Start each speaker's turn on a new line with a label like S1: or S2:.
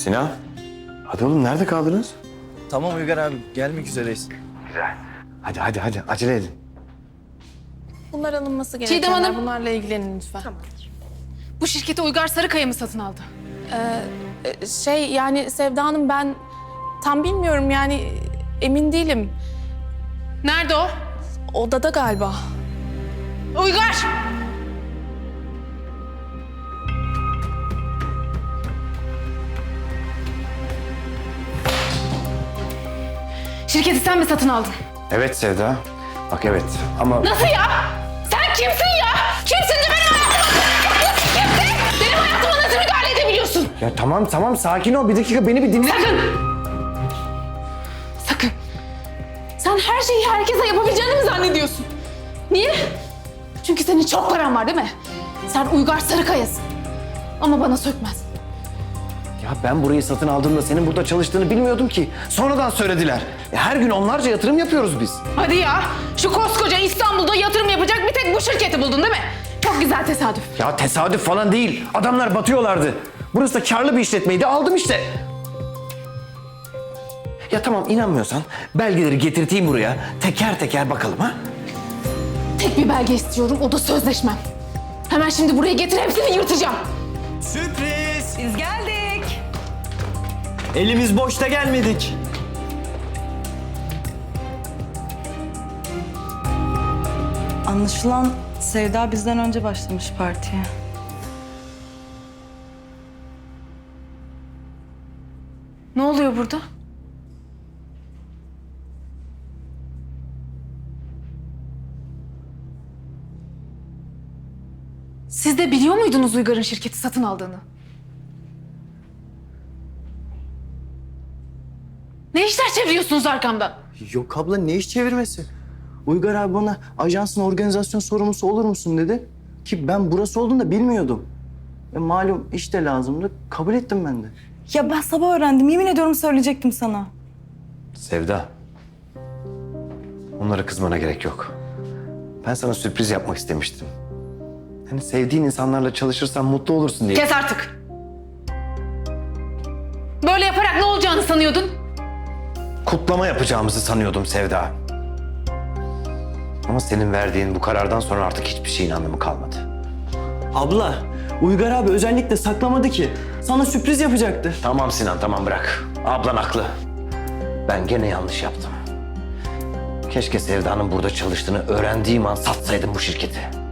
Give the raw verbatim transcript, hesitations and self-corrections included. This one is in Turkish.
S1: Sinan. Hadi oğlum nerede kaldınız?
S2: Tamam Uygar abi, gelmek üzereyiz.
S1: Güzel. Hadi hadi hadi acele edin.
S3: Bunlar alınması
S4: Çiğdem
S3: gerekenler.
S4: Hanım.
S3: Bunlarla ilgilenin lütfen.
S4: Bu şirketi Uygar Sarıkaya mı satın aldı?
S3: Ee, şey yani Sevda Hanım ben tam bilmiyorum yani emin değilim.
S4: Nerede o?
S3: Odada galiba.
S4: Uygar! Şirketi sen mi satın aldın?
S1: Evet Sevda. Bak evet ama...
S4: Nasıl ya? Sen kimsin ya? Kimsin de benim hayatıma... Kimsin? Benim hayatıma nasıl müdahale edebiliyorsun?
S1: Ya tamam tamam sakin ol bir dakika beni bir dinle.
S4: Sakın! Sakın! Sen her şeyi herkese yapabileceğini mi zannediyorsun? Niye? Çünkü senin çok paran var değil mi? Sen Uygar Sarıkaya'sın. Ama bana sökmez.
S1: Ya ben burayı satın aldığımda senin burada çalıştığını bilmiyordum ki. Sonradan söylediler. Ya her gün onlarca yatırım yapıyoruz biz.
S4: Hadi ya! Şu koskoca İstanbul'da yatırım yapacak bir tek bu şirketi buldun değil mi? Çok güzel tesadüf.
S1: Ya tesadüf falan değil. Adamlar batıyorlardı. Burası da karlı bir işletmeydi. Aldım işte. Ya tamam inanmıyorsan belgeleri getirteyim buraya. Teker teker bakalım ha.
S4: Tek bir belge istiyorum, o da sözleşmem. Hemen şimdi buraya getir, hepsini yırtacağım.
S2: Sürpriz!
S5: Biz geldik.
S2: Elimiz boşta gelmedik.
S5: Anlaşılan Sevda bizden önce başlamış partiye.
S4: Ne oluyor burada? Siz de biliyor muydunuz Uygar'ın şirketi satın aldığını? Ne işler çeviriyorsunuz arkamdan?
S2: Yok abla, ne iş çevirmesi? Uygar abi bana ajansın organizasyon sorumlusu olur musun dedi. Ki ben burası olduğunu da bilmiyordum. E, malum iş de lazımdı. Kabul ettim ben de.
S5: Ya ben sabah öğrendim. Yemin ediyorum söyleyecektim sana.
S1: Sevda. Onlara kızmana gerek yok. Ben sana sürpriz yapmak istemiştim. Hani sevdiğin insanlarla çalışırsan mutlu olursun diye.
S4: Kes artık! Böyle yaparak ne olacağını sanıyordun?
S1: Kutlama yapacağımızı sanıyordum Sevda. Ama senin verdiğin bu karardan sonra artık hiçbir şeyin anlamı kalmadı.
S2: Abla, Uygar abi özellikle saklamadı ki. Sana sürpriz yapacaktı.
S1: Tamam Sinan, tamam bırak. Ablan haklı. Ben gene yanlış yaptım. Keşke Sevda'nın burada çalıştığını öğrendiğim an satsaydım bu şirketi.